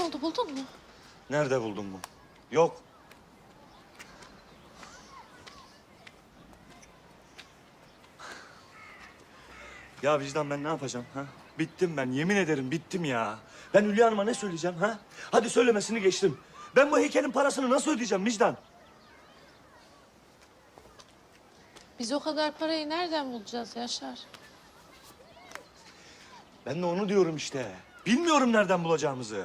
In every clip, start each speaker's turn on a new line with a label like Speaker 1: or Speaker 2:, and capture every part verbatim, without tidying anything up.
Speaker 1: oldu, buldun mu?
Speaker 2: Nerede buldun bu? Yok. Ya vicdan ben ne yapacağım ha? Bittim ben, yemin ederim bittim ya. Ben Hülya Hanım'a ne söyleyeceğim ha? Hadi söylemesini geçtim. Ben bu heykelin parasını nasıl ödeyeceğim vicdan?
Speaker 1: Biz o kadar parayı nereden bulacağız Yaşar?
Speaker 2: Ben de onu diyorum işte. Bilmiyorum nereden bulacağımızı.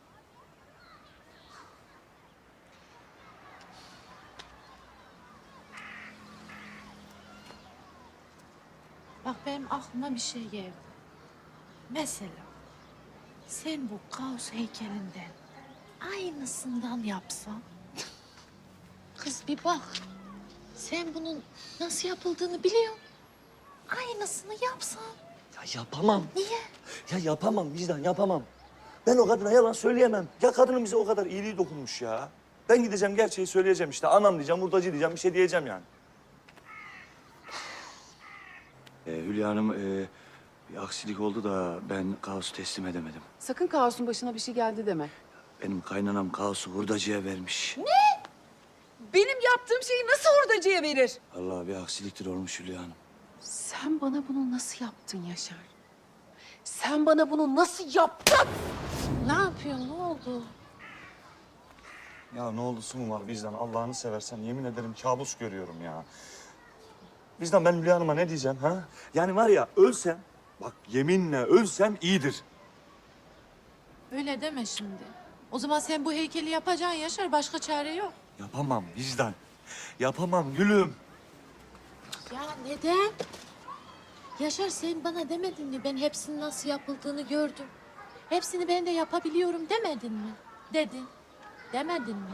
Speaker 1: Bak benim aklıma bir şey geldi. Mesela sen bu kaos heykelinden aynısından yapsan. Kız bir bak. Sen bunun nasıl yapıldığını biliyorsun. Aynısını yapsan.
Speaker 2: Ya yapamam.
Speaker 1: Niye?
Speaker 2: Ya yapamam vicdan, yapamam. Ben o kadına yalan söyleyemem. Ya kadının bize o kadar iyiliği dokunmuş ya. Ben gideceğim gerçeği söyleyeceğim işte. Anam diyeceğim, hurdacı diyeceğim, bir şey diyeceğim yani. Ee, Hülya Hanım, e, bir aksilik oldu da ben kaosu teslim edemedim.
Speaker 3: Sakın Kaos'un başına bir şey geldi deme.
Speaker 2: Benim kaynanam kaosu hurdacıya vermiş.
Speaker 3: Benim yaptığım şeyi nasıl hurdacıya verir?
Speaker 2: Allah bir aksiliktir olmuş Hülya Hanım.
Speaker 3: Sen bana bunu nasıl yaptın Yaşar? Sen bana bunu nasıl yaptın?
Speaker 1: Ne yapıyorsun? Ne oldu?
Speaker 2: Ya ne oldusu mu var vicdan? Allah'ını seversen yemin ederim kabus görüyorum ya. Vicdan ben Hülya Hanım'a ne diyeceğim ha? Yani var ya ölsem, bak yeminle ölsem iyidir.
Speaker 1: Öyle deme şimdi. O zaman sen bu heykeli yapacaksın Yaşar. Başka çare yok.
Speaker 2: Yapamam vicdan. Yapamam gülüm.
Speaker 1: Ya neden? Yaşar sen bana demedin mi? Ben hepsinin nasıl yapıldığını gördüm. Hepsini ben de yapabiliyorum demedin mi? Dedin. Demedin mi?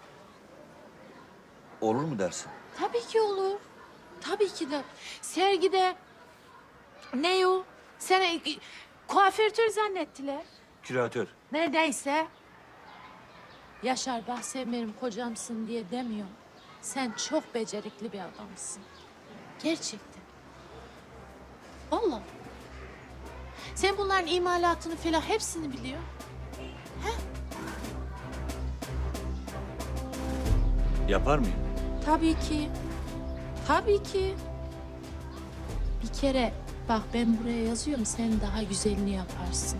Speaker 2: Olur mu dersin?
Speaker 1: Tabii ki olur. Tabii ki de. Sergide ne o? Seni kuaförtür zannettiler.
Speaker 2: Küratör.
Speaker 1: Neredeyse. Yaşar bak sen benim kocamsın diye demiyorum. Sen çok becerikli bir adamsın. Gerçekten. Vallahi. Sen bunların imalatını falan hepsini biliyorsun.
Speaker 2: Yapar mıyım?
Speaker 1: Tabii ki. Tabii ki. Bir kere bak ben buraya yazıyorum sen daha güzelini yaparsın.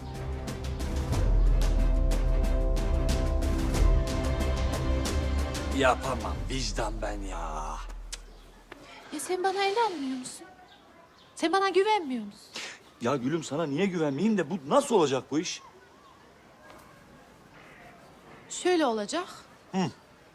Speaker 2: Yapamam vicdan ben ya.
Speaker 1: Ya sen bana inanmıyor musun? Sen bana güvenmiyor musun?
Speaker 2: Ya gülüm sana niye güvenmeyeyim de bu nasıl olacak bu iş?
Speaker 1: Şöyle olacak.
Speaker 2: Hı.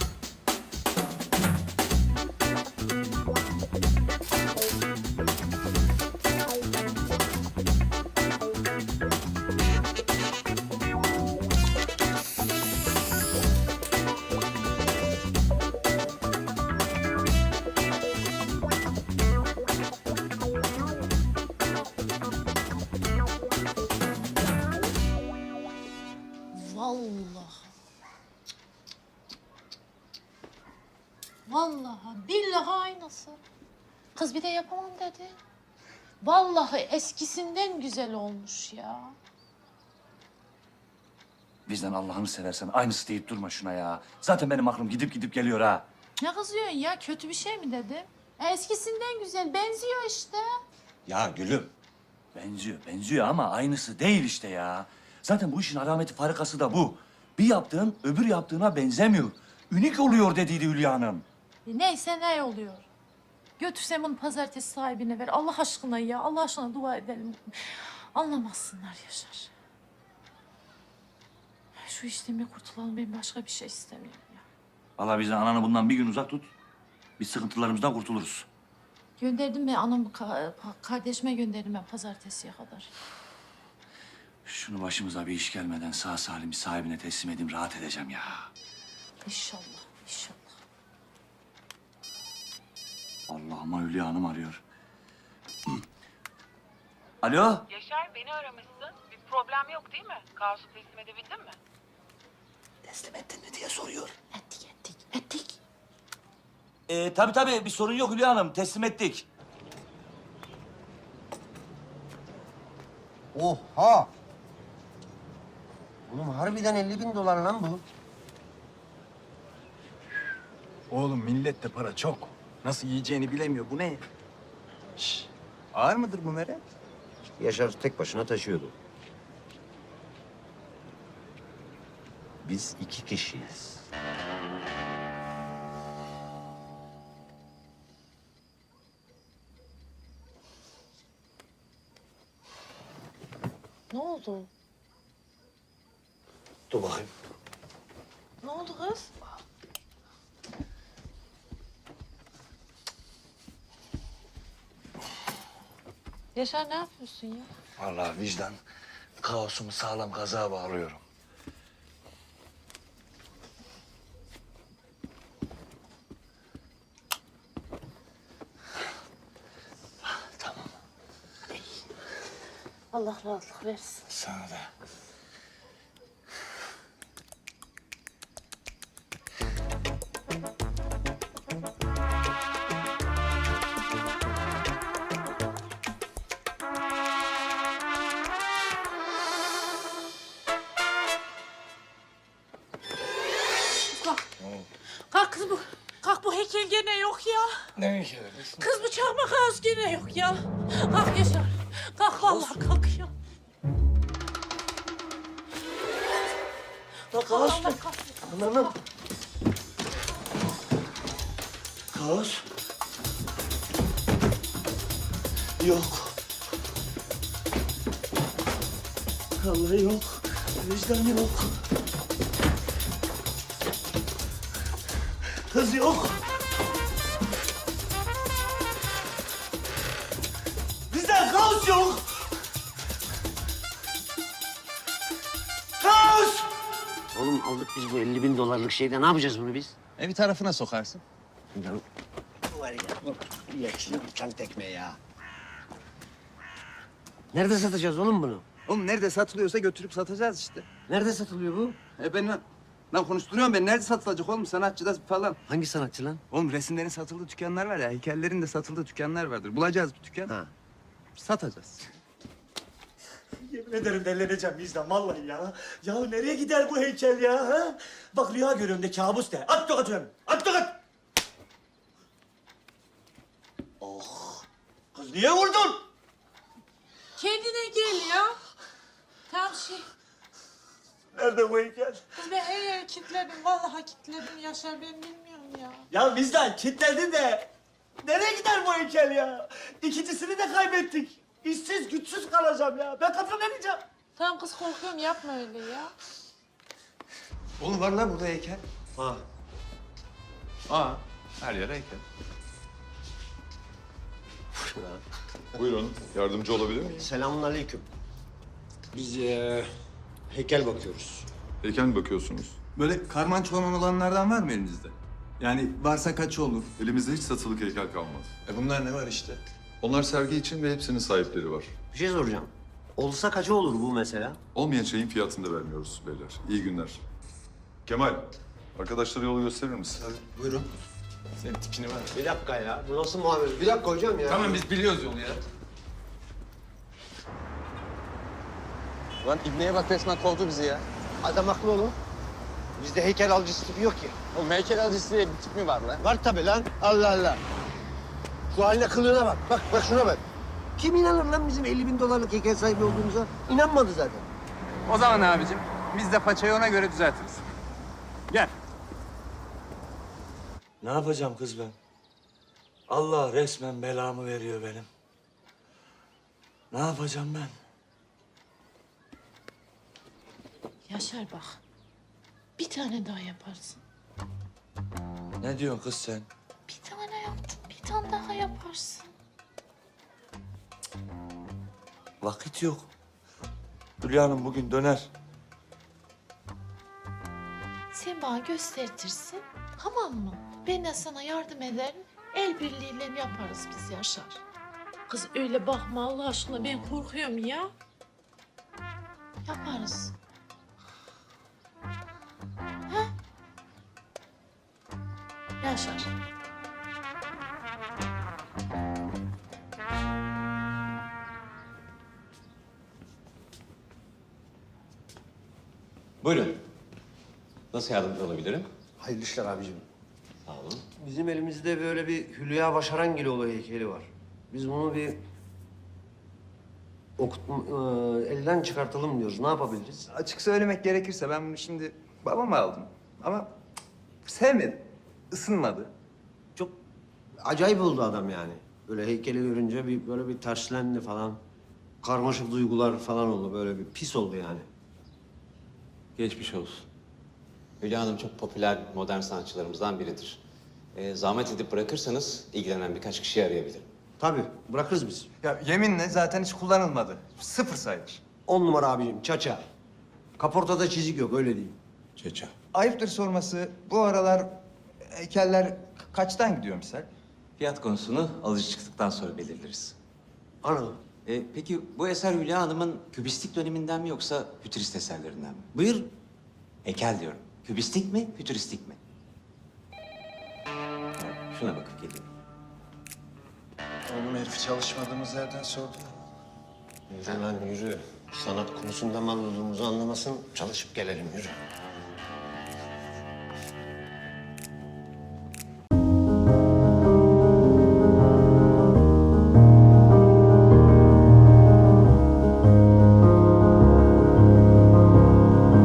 Speaker 1: Vallahi. Vallahi billahi aynısı. Kız bir de yapamam dedi. Vallahi eskisinden güzel olmuş ya.
Speaker 2: Vicdan Allah'ını seversen aynısı deyip durma şuna ya. Zaten benim aklım gidip gidip geliyor ha.
Speaker 1: Ne kızıyorsun ya? Kötü bir şey mi dedim? E, eskisinden güzel. Benziyor işte.
Speaker 2: Ya gülüm. Benziyor, benziyor ama aynısı değil işte ya. Zaten bu işin alameti farikası da bu. Bir yaptığın öbür yaptığına benzemiyor. Ünik oluyor dediydi Hülya Hanım.
Speaker 1: E, neyse ne oluyor? Götürsem bunu pazartesi sahibine ver. Allah aşkına ya. Allah aşkına dua edelim. Anlamazsınlar Yaşar. Şu işten bir kurtulalım. Ben başka bir şey istemiyorum ya.
Speaker 2: Vallahi biz de ananı bundan bir gün uzak tut. Biz sıkıntılarımızdan kurtuluruz.
Speaker 1: Gönderdim ben anamı, ka- kardeşime gönderdim ben pazartesiye kadar.
Speaker 2: Şunu başımıza bir iş gelmeden sağ salim sahibine teslim edeyim, rahat edeceğim ya.
Speaker 1: İnşallah, inşallah.
Speaker 2: Allah'ıma Hülya Hanım arıyor. Alo?
Speaker 4: Yaşar beni aramışsın. Bir problem yok değil mi? Kaosu teslim edebildin mi?
Speaker 2: Teslim ettin mi diye soruyor.
Speaker 1: Ettik, ettik, ettik.
Speaker 2: Ee, tabii tabii bir sorun yok Hülya Hanım, teslim ettik.
Speaker 5: Oha! Oğlum harbiden elli bin dolar lan bu.
Speaker 6: Oğlum millette para çok. Nasıl yiyeceğini bilemiyor. Bu ne? Şş, ağır mıdır bu Meret?
Speaker 5: Yaşar tek başına taşıyordu. Biz iki kişiyiz.
Speaker 1: Ne oldu?
Speaker 5: Dur bakayım.
Speaker 1: Ne oldu kız? Yaşar ne yapıyorsun ya?
Speaker 6: Vallahi vicdan kaosumu sağlam kazığa bağlıyorum. Tamam.
Speaker 1: Allah rahatlık versin.
Speaker 6: Sana da.
Speaker 1: Kalk kız bu. Kalk bu heykel gene yok ya.
Speaker 6: Ne heykeli?
Speaker 1: Kız bu çakmak ağız gene yok ya. Kalk Yaşar. Kalk vallahi kalk ya.
Speaker 5: Bak
Speaker 1: Allah
Speaker 5: kaos.
Speaker 1: kahretsin.
Speaker 5: Anladım. Kaos. Yok. Vallahi yok. Vicdan yok. Kız yok. Bizden kaos yok. Kaos! Oğlum aldık biz bu elli bin dolarlık şeyde. Ne yapacağız bunu biz?
Speaker 6: E bir tarafına sokarsın.
Speaker 5: Ya, var ya, yaşlı uçan tekme ya. Nerede satacağız oğlum bunu?
Speaker 6: Oğlum nerede satılıyorsa götürüp satacağız işte.
Speaker 5: Nerede satılıyor bu?
Speaker 6: E ben lan, lan konuşturuyorum ben. Nerede satılacak oğlum? Sanatçıda falan.
Speaker 5: Hangi sanatçı lan?
Speaker 6: Oğlum resimlerin satıldığı dükkanlar var ya. Heykellerin de satıldığı dükkanlar vardır. Bulacağız bir dükkan.
Speaker 5: Ha.
Speaker 6: Satacağız.
Speaker 7: Yemin ederim delleneceğim vicdan vallahi ya. Ya nereye gider bu heykel ya? Ha? Bak rüya görüyorum de kabus de. At tokat öyle. At tokat. Oh. Kız niye vurdun?
Speaker 1: Kendine gel ya. Tam şey.
Speaker 7: Nerede bu heykel?
Speaker 1: Kız ben her yeri kilitledim. Vallahi kilitledim Yaşar. Ben bilmiyorum ya.
Speaker 7: Ya vicdan kilitledin de. Nereye gider bu heykel ya? İkincisini de kaybettik. İşsiz güçsüz kalacağım ya. Ben kafam yemeyeceğim.
Speaker 1: Tamam kız korkuyorum yapma öyle ya.
Speaker 6: Oğlum var lan burada heykel.
Speaker 5: Ha.
Speaker 8: Aa, her yere heykel. Buyurun, yardımcı olabilir miyim?
Speaker 5: Selamun aleyküm. Biz eee, heykel bakıyoruz.
Speaker 8: Heykel mi bakıyorsunuz?
Speaker 6: Böyle karman çorman olanlardan var mı elinizde? Yani varsa kaçı olur?
Speaker 8: Elimizde hiç satılık heykel kalmadı.
Speaker 6: E bunlar ne var işte?
Speaker 8: Onlar sergi için ve hepsinin sahipleri var.
Speaker 5: Bir şey soracağım. Olsa kaça olur bu mesela?
Speaker 8: Olmayan şeyin fiyatını da vermiyoruz beyler. İyi günler. Kemal, arkadaşlara yolu gösterir misin?
Speaker 6: Buyurun. Senin tipini var.
Speaker 5: Bir dakika ya. Bu nasıl muamele? Bir dakika hocam ya.
Speaker 6: Tamam biz biliyoruz yolu ya. Lan İbni'ye bak resmen kovdu bizi ya.
Speaker 5: Adam haklı oğlum. Bizde heykel alıcısı tipi yok ki.
Speaker 6: Oğlum heykel alıcısı diye bir tip mi var lan?
Speaker 5: Var tabii lan. Allah Allah. Şu haline kılığına bak. Bak bak şuna bak. Kim inanır lan bizim elli bin dolarlık heykel sahibi olduğumuza? İnanmadı zaten.
Speaker 6: O zaman abicim biz de paçayı ona göre düzeltiriz. Gel.
Speaker 7: Ne yapacağım kız ben? Allah resmen belamı veriyor benim. Ne yapacağım ben?
Speaker 1: Yaşar bak. Bir tane daha yaparsın.
Speaker 7: Ne diyorsun kız sen?
Speaker 1: Bir tane yaptın. Bir tane daha yaparsın.
Speaker 7: Vakit yok. Hülya Hanım bugün döner.
Speaker 1: Sen bana göstertirsin. Tamam mı? Ben de sana yardım ederim. El birliğiyle yaparız biz Yaşar. Kız öyle bakma Allah aşkına. Ben korkuyorum ya. Yaparız. Ha? Yaşar.
Speaker 9: Buyurun. Nasıl yardımcı olabilirim?
Speaker 5: Hayırlı işler abicim.
Speaker 9: Sağ olun.
Speaker 5: Bizim elimizde böyle bir Hülya Başarangiloğlu heykeli var. Biz bunu bir okut, e, elden çıkartalım diyoruz. Ne yapabiliriz?
Speaker 6: Açık söylemek gerekirse ben bunu şimdi babama aldım. Ama cık, sevmedim. Isınmadı.
Speaker 5: Çok acayip oldu adam yani. Böyle heykeli görünce bir böyle bir terslendi falan. Karmaşık duygular falan oldu. Böyle bir pis oldu yani.
Speaker 9: Geçmiş olsun. Hülya Hanım çok popüler modern sanatçılarımızdan biridir. Ee, zahmet edip bırakırsanız ilgilenen birkaç kişiyi arayabilirim.
Speaker 5: Tabii bırakırız biz.
Speaker 6: Ya yeminle zaten hiç kullanılmadı. Sıfır sayılır.
Speaker 5: On numara abicim çaça. Kaportada çizik yok öyle diyeyim.
Speaker 9: Çeça.
Speaker 6: Ayıptır sorması, bu aralar heykeller kaçtan gidiyor misal?
Speaker 9: Fiyat konusunu alıcı çıktıktan sonra belirleriz.
Speaker 5: Anladım.
Speaker 9: Ee, peki bu eser Hülya Hanım'ın kübistik döneminden mi yoksa fütürist eserlerinden mi?
Speaker 5: Buyur.
Speaker 9: Heykel diyorum. Kübistik mi, fütüristik mi? Şuna bakıp geleyim.
Speaker 6: Oğlum herif çalışmadığımız yerden sordu.
Speaker 5: Yürü lan yürü. Sanat konusunda mal olduğumuzu anlamasın. Çalışıp gelelim yürü.